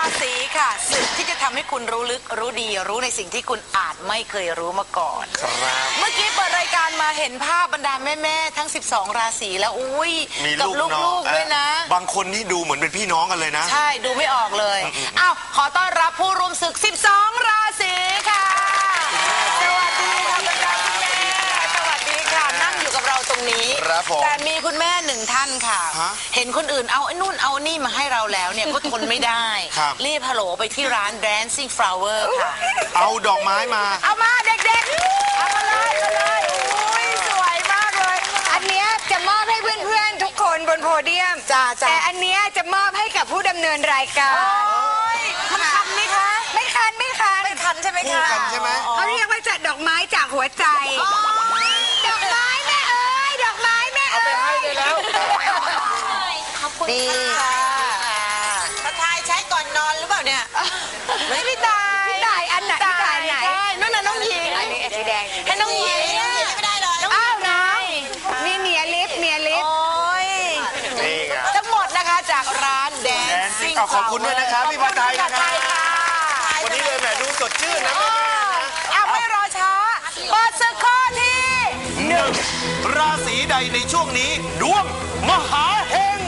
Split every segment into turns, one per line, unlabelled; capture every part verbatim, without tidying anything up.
ศีค่ะศึกที่จะทำให้คุณรู้ลึกรู้ดีรู้ในสิ่งที่คุณอาจไม่เคยรู้มาก่อนครับเมื่อกี้เปิดรายการมาเห็นภาพบรรดาแม่ๆทั้งสิบสองราศีแล้วอุ้ยกับลูกๆด้วยนะ
บางคนนี่ดูเหมือนเป็นพี่น้องกันเลยนะ
ใช่ดูไม่ออกเลยอ้าวขอต้อนรับผู้ร่วมศึกสิบสองราศีค่ะสวัสดีค่ะบรรดาคุณแม่สวัสดีค่ะนั่งอยู่กับเราตรงนี้แต่มีคุณแม่หนึ่งท่านค่ะเห็นคนอื่นเอาไอ้นู่นเอานี่มาให้เราแล้วเนี่ยก็ทนไม่ได้รีบฮัลโหลไปที่ร้าน Dancing Flower ค่ะ
เอาดอกไม้มา
เอามาเด็กๆเอามาเลยมาเลยอุ้ยสวยมากเลย
อันเนี้ยจะมอบให้เพื่อนๆทุกคนบนโพเดียม
จ้าจ้า
แต่อันเนี้ยจะมอบให้กับผู้ดำเนินรายการ
มันคันไหมคะ
ไม่คันไม่คัน
ไม่คันใช่ไหม
คะคันใช่ไหม
เขาเรียกว่าจัดดอกไม้จากหัวใจดอกไม้แม่เอ้ยดอกไม้แม่
เอาไปให้ได้แล้ว
ขอบคุณค่ะประทายใช้ก่อนนอนหรือเปล่าเนี่ยไม่พี่ตาย
พี่ตายอันไหนพี่ตายไหน
นั่นน่ะน้องหญิง
อันนี้สีแดง
ให้น้องหญิงไม่ได้เลย
อ้าวน้องนี่เมียลิฟเมียลิฟ
โอ้ย
นี่ไง
ทั้งหมดนะคะจากร้านแดนซิ่ง
ขอบคุณด้วยนะครับพี่ประทายนะครับวันนี้เลยแหมดูสดชื่นนะแม่
อ้าวไม่รอช้าเปิดศึกข้อที่
หนึ่งราศีใดในช่วงนี้ดวงมหาเฮง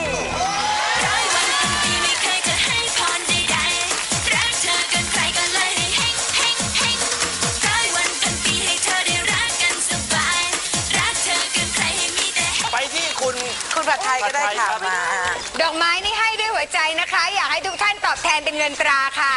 ไปที่คุณ
คุณผัดไทยก็ได้ค่ะมา
ดอกไม้นี่ให้ด้วยหัวใจนะคะอยากให้ทุกท่านตอบแทนเป็นเงินตราค่ะ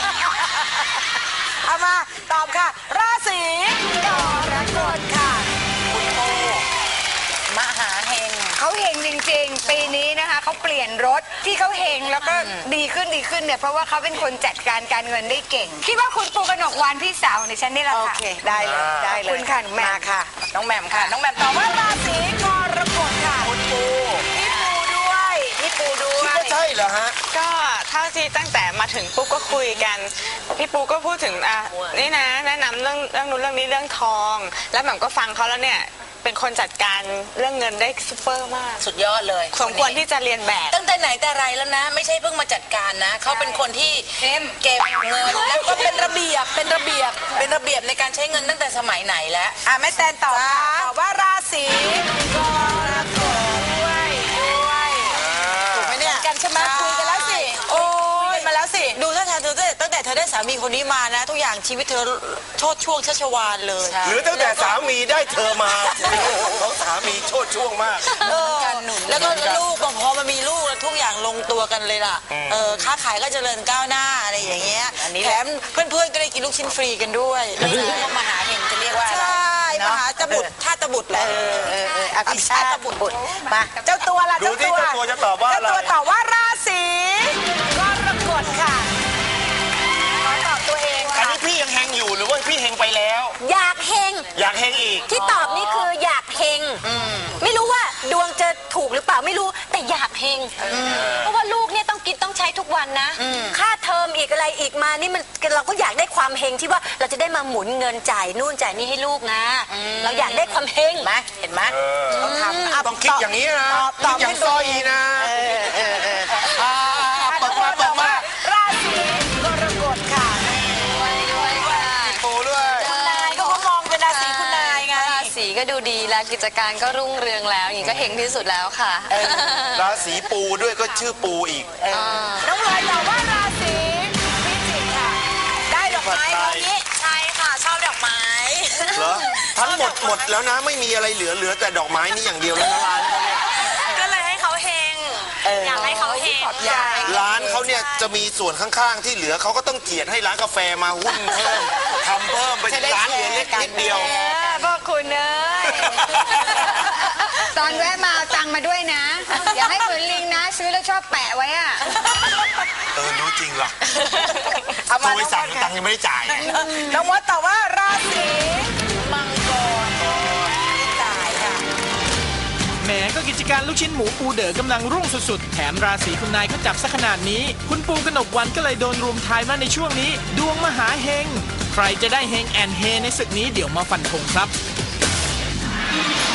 เอามาตอบค่ะราศีกรกฎค่ะคุณโอมหาเฮง
เขาเฮงจริงๆปีนี้นะคะเขาเปลี่ยนรถที่เขาเฮงแล้วก็ดีขึ้นดีขึ้นเนี่ยเพราะว่าเขาเป็นคนจัดการการเงินได้เก่งคิดว่าคุณปูกนกวานพี่สาวในฉันนี่แหละค่ะ
โอเคได้เลยได้เลย
คุณค่ะ
มาค่ะน้องแหม่มค่ะน้องแหม่มตอบว่าราศีกรกฎค่ะ
คุณปู
พี่ปูด้วยพี่ปูด้วย
คิดว่าใช่เหรอฮะ
ก็เท่าที่ตั้งแต่มาถึงปุ๊บก็คุยกันพี่ปูก็พูดถึงอ่ะนี่นะแนะนำเรื่องเรื่องนู้นเรื่องนี้เรื่องทองแล้วแหม่มก็ฟังเขาแล้วเนี่ยเป็นคนจัดการเรื่องเงินได้ซุปเปอร์มาก
สุดยอดเลย
สมควรที่จะเรียนแบบ
ตั้งแต่ไหนแต่ไรแล้วนะไม่ใช่เพิ่งมาจัดการนะเขาเป็นคนที่เก็บเงินแล้วก็เป็นระเบียบเป็นระเบียบเป็นระเบียบในการใช้เงินตั้งแต่สมัยไหนแล้วอ่ะแม่แตนตอบตอบว่าราศีกรกฎด้วยด้วยถูกไหมเนี่ยกันใช่ไหมคุยกันแล้วสิโอ้ยมาแล้วสิดูท่าทางเธอตั้งแต่เธอได้สามีคนนี้มานะทุกอย่างชีวิตเธอโชดช่วงชัชวาลเลย
หรือตั้งแต่สามีได้เธอมาของสามีโชดช่วงมาก
แล้วก็ลูกพอมามีลูกแล้วทุกอย่างลงตัวกันเลยล่ะเออค้าขายก็เจริญก้าวหน้าอะไรอย่างเงี้ยแถมเพื่อนๆก็ได้กินลูกชิ้นฟรีกันด้วยมหาเฮงจะเรียกว่าอะไรใช่มหาตบุตรชาติบุตรแหละอภิชาติบุตรมาเจ้าตัวล่ะ
เจ้าตัวเจ้าตัวจะตอบว่าอะไร
เจ้าตัวตอบว่าราศีกรกฎค่ะขอตอบตัวเอง
อันนี้พี่ยังเฮงอยู่หรือว่าพี่เฮงไปแล้ว
อยากเฮง
อยากเฮงอีก
ที่ตอบนี่คืออยากเฮงไม่รู้ว่าดวงจะถูกหรือเปล่าไม่รู้แต่อยากเฮงเพราะว่าลูกเนี่ยต้องกินต้องใช้ทุกวันนะค่าเทอมอีกอะไรอีกมานี่มันเราก็อยากได้ความเฮงที่ว่าเราจะได้มาหมุนเงินจ่ายนู่นจ่ายนี่ให้ลูกนะเราอยากได้ความเฮง
ไหมเห็นไหม
ต้องทำต้องคิดอย่างนี้นะคิดอย่างซอยนะเปิดมาเปิดมา
ราศีกรกฎค่ะ
ปูด้วย
คุณนายก็เขามองเป็นราศีคุณนายไง
ราศีก็ดูดีแล้วกิจการก็รุ่งเรืองแล้วอย่างนี้ก็เฮงที่สุดแล้วค่ะ
ราศีปูด้วยก็ชื่อปูอีก
น้องลอยตอบว่าราศีพิจิกค่ะได้ดอกไม้ตรงนี้ใช่ค่ะชอบดอกไม้
เหรอทั้งหมดหมดแล้วนะไม่มีอะไรเหลือเหลือแต่ดอกไม้นี่อย่างเดียวแล้วร้านเขาเนี่ย
ก็เลยให้เขาเฮงอยากให้เขาเฮง
ร้านเขาเนี่ยจะมีส่วนข้างๆที่เหลือเขาก็ต้องเกียรติให้ร้านกาแฟมาหุ้นเพิ่มทำเพิ่มไปร้านเหลือเล็กนิดเดียว
พ่อคุณเอ้ยตอนแวะมาเอาตังมาด้วยนะอย่าให้เหมือนลิงนะซื้อแล้วชอบแปะไว้อะ
เออรู้จริงหรอโทรไปสั่งตังยังไม่ได้จ่าย
น้องมดตอบว่าราศีมังกรตายค่ะ
แหมก็กิจการลูกชิ้นหมูปูเด๋อกำลังรุ่งสุดๆแถมราศีคุณนายก็จับซะขนาดนี้คุณปูกนกวันก็เลยโดนรุมทายมาในช่วงนี้ดวงมหาเฮงใครจะได้เฮงแอนเฮในศึกนี้เดี๋ยวมาฟันธงครับ